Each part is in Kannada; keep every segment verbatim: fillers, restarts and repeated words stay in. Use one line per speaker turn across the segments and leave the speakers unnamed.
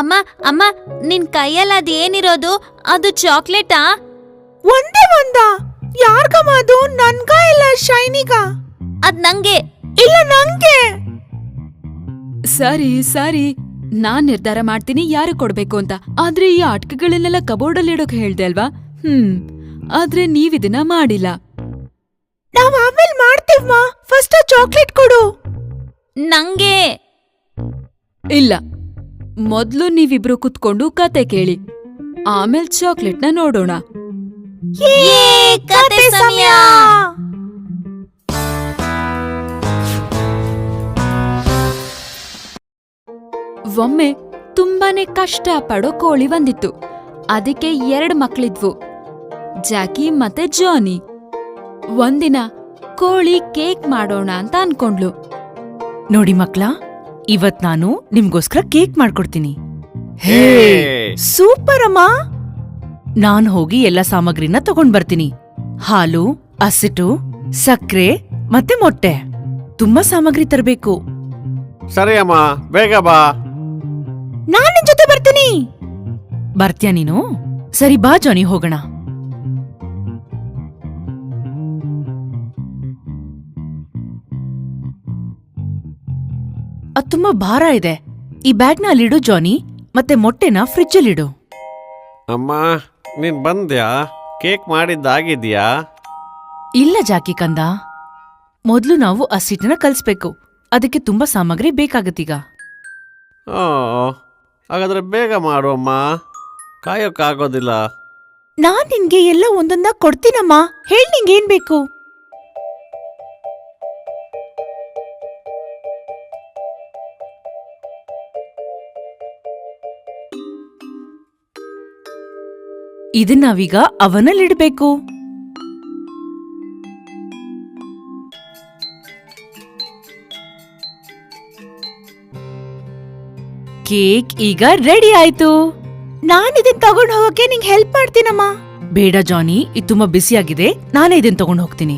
ಅಮ್ಮ ಅಮ್ಮ ನಿನ್ ಕೈಯಲ್ಲಿ ಅದೇನಿರೋದು ಅದು ಚಾಕ್ಲೇಟಾ?
ಒಂದೇ ಒಂದ ಯಾರ್ಗಮ್ಮ ಅದು? ನನ್ಗ ಇಲ್ಲ ಶೈನಿಗ?
ಅದ್ ನಂಗೆ.
ಇಲ್ಲ ನಂಗೆ.
ಸರಿ ಸರಿ, ನಾನ್ ನಿರ್ಧಾರ ಮಾಡ್ತೀನಿ ಯಾರು ಕೊಡ್ಬೇಕು ಅಂತ. ಆದ್ರೆ ಈ ಆಟಿಕೆಗಳನ್ನೆಲ್ಲ ಕಬೋರ್ಡಲ್ಲಿ ಇಡೋಕ್ ಹೇಳ್ದೆ ಅಲ್ವಾ? ಹ್ಮ್ ಆದ್ರೆ ನೀವಿದನ್ನ ಮಾಡಿಲ್ಲ.
ನಾವ್ ಆಮೇಲೆ ಮಾಡ್ತೀವ್ಮಾ, ಫಸ್ಟ್ ಚಾಕ್ಲೇಟ್ ಕೊಡು.
ನಂಗೆ.
ಇಲ್ಲ, ಮೊದ್ಲು ನೀವಿಬ್ರು ಕುತ್ಕೊಂಡು ಕತೆ ಕೇಳಿ, ಆಮೇಲೆ ಚಾಕ್ಲೇಟ್ನ ನೋಡೋಣ.
ಕತೆ ಸಮಯ.
ಒಮ್ಮೆ ತುಂಬಾನೇ ಕಷ್ಟ ಪಡೋ ಕೋಳಿ ಬಂದಿತ್ತು. ಅದಕ್ಕೆ ಎರಡು ಮಕ್ಳಿದ್ವು, ಜಾಕಿ ಮತ್ತೆ ಜಾನಿ. ಒಂದಿನ ಕೋಳಿ ಕೇಕ್ ಮಾಡೋಣ ಅಂತ ಅನ್ಕೊಂಡ್ಲು.
ನೋಡಿ ಮಕ್ಳ, ಇವತ್ ನಾನು ನಿಮ್ಗೋಸ್ಕರ ಕೇಕ್ ಮಾಡ್ಕೊಡ್ತೀನಿ. ಹೇ ಸೂಪರ್ ಅಮ್ಮ. ನಾನ್ ಹೋಗಿ ಎಲ್ಲ ಸಾಮಗ್ರಿನ ತಗೊಂಡ್ ಬರ್ತೀನಿ. ಹಾಲು, ಹಸಿಟ್ಟು, ಸಕ್ರೆ ಮತ್ತೆ ಮೊಟ್ಟೆ. ತುಂಬಾ ಸಾಮಗ್ರಿ ತರಬೇಕು.
ಸರಿ ಅಮ್ಮ, ಬೇಗ ಬಾ.
ನಾನ್ ನಿನ್ ಜೊತೆ ಬರ್ತೀನಿ. ಬರ್ತೀಯ ನೀನು? ಸರಿ ಬಾ ಜಾನಿ, ಹೋಗೋಣ. ಅದ್ ತುಂಬಾ ಭಾರ ಇದೆ. ಈ ಬ್ಯಾಗ್ನ ಅಲ್ಲಿಡು ಜಾನಿ, ಮತ್ತೆ ಮೊಟ್ಟೆನ ಫ್ರಿಜ್ಜಲ್ಲಿಡು.
ಅಮ್ಮ, ನೀನ್ ಬಂದ್ಯಾ? ಕೇಕ್ ಮಾಡಿದ್ದಾಗಿದ್ಯಾ?
ಇಲ್ಲ ಜಾಕಿ ಕಂದ, ಮೊದ್ಲು ನಾವು ಹಸಿಟ್ಟನ್ನ ಕಲ್ಸ್ಬೇಕು. ಅದಕ್ಕೆ ತುಂಬಾ ಸಾಮಗ್ರಿ ಬೇಕಾಗತ್ತೀಗ.
ಓ, ಹಾಗಾದ್ರೆ ಬೇಗ ಮಾಡು ಅಮ್ಮ, ಕಾಯೋಕ್ಕಾಗೋದಿಲ್ಲ.
ನಾನ್ ನಿನ್ಗೆ ಎಲ್ಲ ಒಂದೊಂದ ಕೊಡ್ತೀನಮ್ಮ. ಹೇಳ್ ನಿಂಗೇನ್ ಬೇಕು? ಇದನ್ನ ನಾವೀಗ ಅವನಲ್ಲಿಡ್ಬೇಕು. ಕೇಕ್ ಈಗ ರೆಡಿ ಆಯ್ತು. ನಾನ್ ಇದನ್ ತಗೊಂಡ್ ಹೋಗಕ್ಕೆ ನಿಂಗೆ ಹೆಲ್ಪ್ ಮಾಡ್ತೀನಮ್ಮ. ಬೇಡ ಜಾನಿ, ಇದು ತುಂಬಾ ಬಿಸಿಯಾಗಿದೆ, ನಾನೇ ಇದನ್ ತಗೊಂಡ್ ಹೋಗ್ತೀನಿ.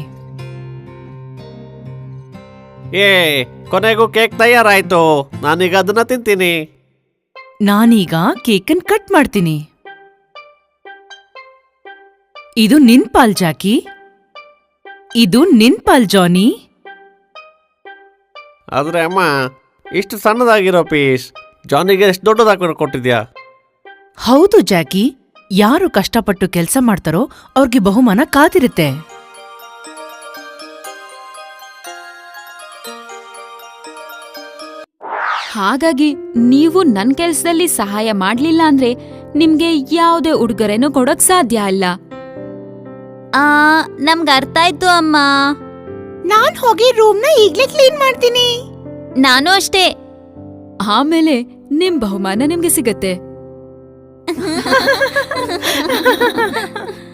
ಏ, ಕೊನೆಗೂ ಕೇಕ್ ತಯಾರಾಯ್ತು. ನಾನೀಗ ಅದನ್ನ ತಿಂತೀನಿ.
ನಾನೀಗ ಕೇಕನ್ ಕಟ್ ಮಾಡ್ತೀನಿ. ಇದು ನಿನ್ ಪಾಲ್ ಜಾಕಿ, ಇದು ನಿನ್ ಪಾಲ್ ಜಾನಿ.
ಆದ್ರೆ ಅಮ್ಮ, ಇಷ್ಟು ಸಣ್ಣದಾಗಿರೋ ಪೀಸ್ ಜಾನಿಗೆ ಎಷ್ಟು ದೊಡ್ಡದಾಗಿ ಕೊಟ್ಟಿದ್ಯಾ?
ಹೌದು ಜಾಕಿ, ಯಾರು ಕಷ್ಟಪಟ್ಟು ಕೆಲಸ ಮಾಡ್ತಾರೋ ಅವ್ರಿಗೆ ಬಹುಮಾನ ಕಾದಿರುತ್ತೆ.
ಹಾಗಾಗಿ ನೀವು ನನ್ ಕೆಲ್ಸದಲ್ಲಿ ಸಹಾಯ ಮಾಡ್ಲಿಲ್ಲ ಅಂದ್ರೆ ನಿಮ್ಗೆ ಯಾವುದೇ ಉಡುಗೊರೆನೂ ಕೊಡೋಕ್ ಸಾಧ್ಯ ಇಲ್ಲ.
ಆ ನಮ್ಗೆ ಅರ್ಥ ಆಯ್ತು ಅಮ್ಮ.
ನಾನ್ ಹೋಗಿ ರೂಮ್ನ ಈಗ್ಲೇ ಕ್ಲೀನ್ ಮಾಡ್ತೀನಿ.
ನಾನು ಅಷ್ಟೇ.
ಆಮೇಲೆ ನಿಮ್ ಬಹುಮಾನ ನಿಮ್ಗೆ ಸಿಗತ್ತೆ.